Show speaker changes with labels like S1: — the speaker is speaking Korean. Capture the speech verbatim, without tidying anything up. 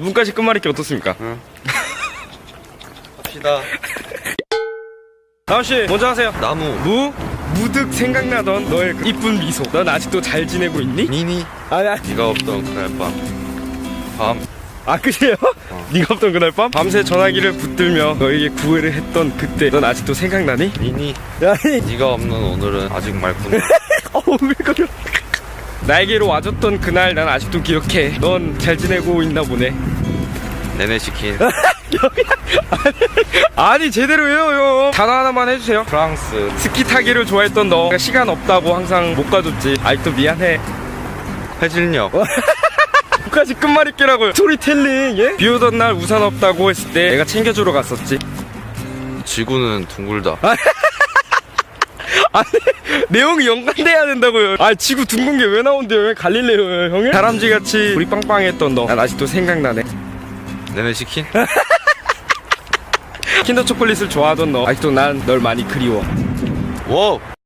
S1: 문까지 끝말잇기 어떻습니까?
S2: 응. 합시다.
S1: 다은씨 먼저 하세요.
S2: 나무.
S1: 무? 무득 생각나던 너의 그 이쁜 미소. 넌 아직도 잘 지내고 있니?
S2: 니니.
S1: 아니 아니.
S2: 네가 없던 그날 밤. 밤.
S1: 아 그래요?
S2: 어.
S1: 네가 없던 그날 밤? 밤새 전화기를 붙들며 너에게 구애를 했던 그때 넌 아직도 생각나니?
S2: 니니.
S1: 아니
S2: 네가 없는 오늘은 아직 맑구나.
S1: 어우 왜 그래. 나에게로 와줬던 그날 난 아직도 기억해. 넌 잘 지내고 있나 보네.
S2: 내내 시킨
S1: 아니 제대로 해요 형. 단어 하나만 해주세요.
S2: 프랑스.
S1: 스키 타기를 좋아했던 너 시간 없다고 항상 못 가줬지. 아직도 미안해.
S2: 해질녘.
S1: 끝까지 끝말잇기라고요. 스토리텔링. 예? 비 오던 날 우산 없다고 했을 때 내가 챙겨주러 갔었지.
S2: 지구는 둥글다.
S1: 아니 내용이 연관돼야 된다고요. 아 지구 둥근 게 왜 나온대요? 왜 갈릴레오예요 형이? 다람쥐같이 우리 빵빵했던 너 난 아직도 생각나네.
S2: 내내 시킨.
S1: 킨더 초콜릿을 좋아하던 너 아직도 난 널 많이 그리워.
S2: 워.